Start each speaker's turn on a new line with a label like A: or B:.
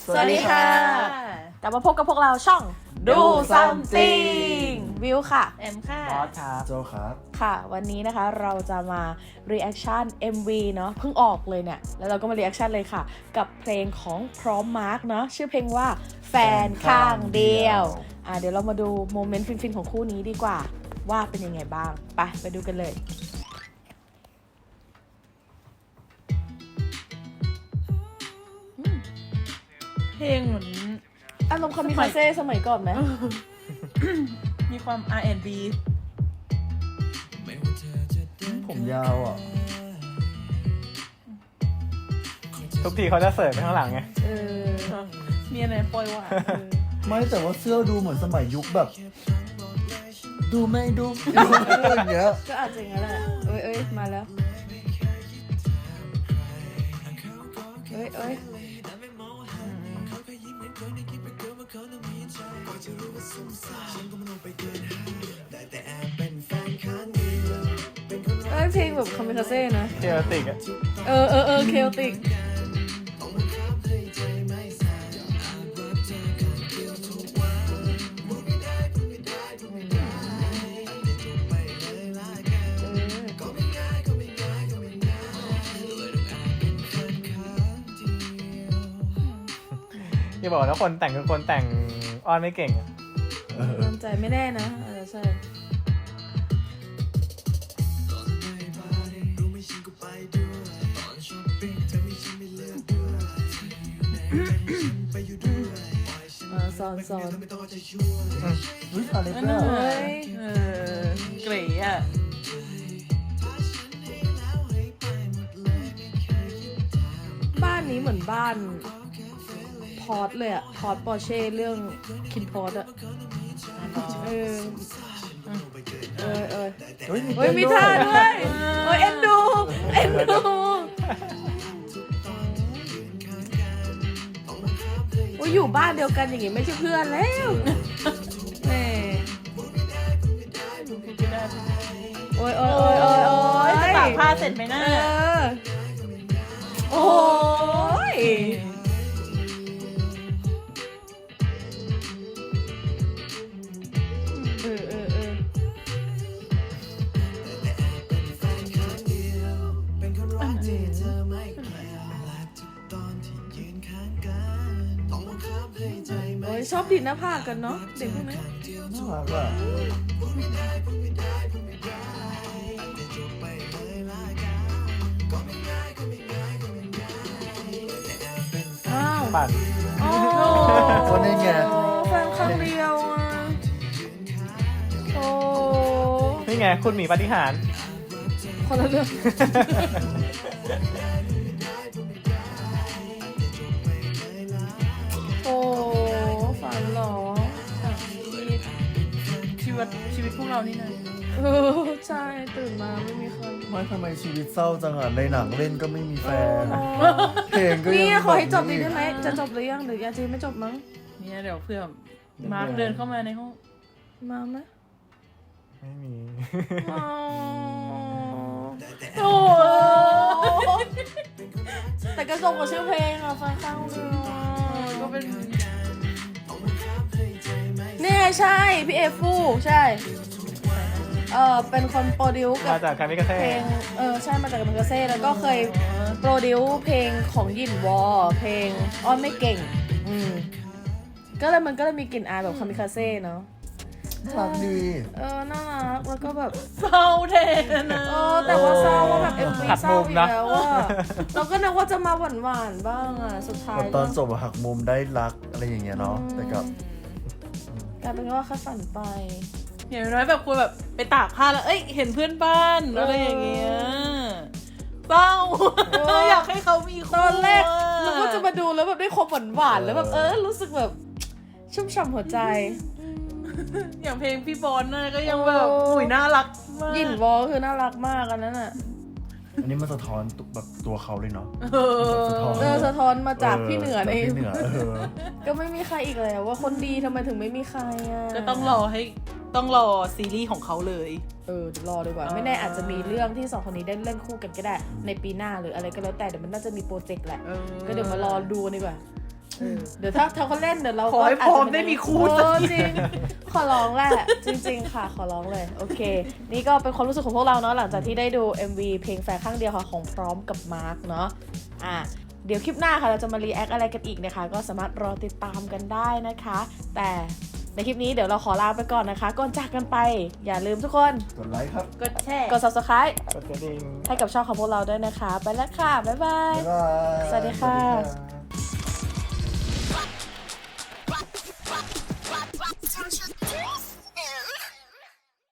A: สวัสดีค่ะกลับมาพบกับพวกเราช่อง Do Something วิวค่ะ
B: แอมค่ะ
C: บอสครับ
D: โจครับ
A: ค่ะ วันนี้นะคะเราจะมา reaction MV เนาะเพิ่งออกเลยเนี่ยแล้วเราก็มา reaction เลยค่ะกับเพลงของพร้อมมาร์กเนาะชื่อเพลงว่าแฟนข้างเดียวเดี๋ยวเรามาดูโมเมนต์ฟินๆของคู่นี้ดีกว่าว่าเป็นยังไงบ้างไปดูกันเลย
B: เพลงเหมือน
A: อารมณ์คามิคาเซ่สมัยก่อนไหม
B: มีความ R&B
D: ผมยาวอ่ะ
C: ทุกทีเขาจะเสิร์ฟไปข้างหลังไง
B: มีอะไรปล่อยหวาน
D: ไม่แต่ว่าเสื้อดูเหมือนสมัยยุคแบบ ดูไม่ดูอะไรอย่างเงี้ย
A: ก็อาจจะอย่างนั้นแหละเอ้ยมาแล้วเอ้ยเพลงแบบคามิคาเซ่นะ
C: เทอติกอะ
A: เคโอติก
C: อย่าบอกนะคนแต่งคือคนแต่งอ้อนไม่เก่งอะ
A: มั่นใจไม่แน่นะใช่สอน
D: อุ้ยอะไร
B: เอ
D: เนี่ย
B: เกรย์อ่ะ
A: บ้านนี้เหมือนบ้านพอร์ตเลยอะพอร์ตปอร์เช่เรื่องคินพอร์ตอะเฮ้ยมีท่าด้วยเอ็นดูอยู่บ้านเดียวกันอย่างงี้ไม่ใช่เพื่อนแล้วแหมโอ้ย
B: จะตากผ้าเสร็จไหมนะ
A: โอ้ยชอบดินหน้าผากกันเนาะเด็กพวกนี้
D: น่ารักอ่ะ
C: ปั่น
D: คนนี้ไง
A: แฟนครั้งเดียวอ่ะโอ้
C: นี่ไงคุณหมีปาฏิหาริย์
A: คนละเรื่องโอ้ฝันเหรอ
B: ชีวิตพวกเรานี่นะ
A: ใช่ตื่นมาไม่มีใคร
D: ไม่ทำไมชีวิตเศร้าจังอ่ะในหนังเล่นก็ไม่มีแฟนเพลงก็
A: นี่
D: ยัง
A: ขอให้จบดีได้ไหมจะจบหรือยังหรือยังจะไม่จบมั้ง
B: เนี่ยเดี๋ยวเพื่อมาร์คเดินเข้ามาในห้อง
A: มาไหม
C: ไม่มี
A: โอ้แต่กระทรงกับชื่อเพลงอะฟังข้างเรือ
B: ก็เป็น
A: เนี่ยใช่พี่เอฟูใช่เป็นคนโปรดิวกับ
C: มาจากคามิคาเซ่
A: เพลงใช่มาจากกัมพูชาแล้วก็เคยโปรดิวเพลงของยินวอเพลงอ้อนไม่เก่งมันก็เลยมีกลิ่นอายแบบคามิคาเซ่เนาะ
D: น่ารักดี
A: น่ารักแล้วก็แบบ
B: เศร้าแทนนะ
A: แต่ว่าเศร้าว่าแบบMVเศร้าอีกแล้วว่าเราก็นึกว่าจะมาหวานๆบ้างอ่ะสุดท้าย
D: แบบตอนจบหักมุมได้รักอะไรอย่างเงี้ยเนาะแต่กับ
A: กลายเป็นว่าแค่ฝันไป
B: อย่างน้อยแบบควรแบบไปตากผ้าแล้วเห็นเพื่อนบ้านอะไรอย่างเงี้ยเศร้าอยากให้เขามี
A: ตอนแรกนึกว่าจะมาดูแล้วแบบได้ความหวานๆแล้วแบบรู้สึกแบบชุ่มฉ่ำหัวใจ
B: อย่างเพลงพี่บอลน่ะก็ยังแบบอุ้ยน่ารักมาก
A: ยินวอคือน่ารักมากอันนั้นอ่ะ
D: อันนี้มันสะท้อนแบบตัวเขาเลยเนาะ
A: สะท้อนมาจากพี่เหนือเอง
D: พี่เหนือ
A: ก็ไม่มีใครอีกแล้วว่าคนดีทำไมถึงไม่มีใครอ่ะ
B: ก็ต้องรอซีรีส์ของเขาเลย
A: เดี๋ยวรอดีกว่าไม่แน่อาจจะมีเรื่องที่สองคนนี้ได้เล่นคู่กันก็ได้ในปีหน้าหรืออะไรก็แล้วแต่เดี๋ยวมันน่าจะมีโปรเจกต์แหละก็เดี๋ยวมารอดูดีกว่าเดี๋ยวถ้าเขาเล่นเดี๋ยวเรา
B: ขอให้พร้อมได้มีคู่สักที
A: จริงขอร้องแหละจริง ๆ ค่ะขอร้องเลยโอเค นี่ก็เป็นความรู้สึกของพวกเราเนาะหลังจากที่ได้ดู MV เพลงแฟนข้างเดียวค่ะของพร้อมกับมาร์คเนาะเดี๋ยวคลิปหน้าค่ะเราจะมารีแอคอะไรกันอีกนะคะก็สามารถรอติดตามกันได้นะคะ แต่ในคลิปนี้เดี๋ยวเราขอลาไปก่อนนะคะก่อนจากกันไปอย่าลืมทุกคน
D: กดไลค์ครับ
B: กดแชร์
A: กด subscribe
C: กดกระดิ่ง
A: ให้กับช่องของพวกเราด้วยนะคะ ไปแล้วค่ะ บ๊ายบาย
D: บ๊ายบาย
A: สวัสดีค่ะ
D: สวัสดีค่ะ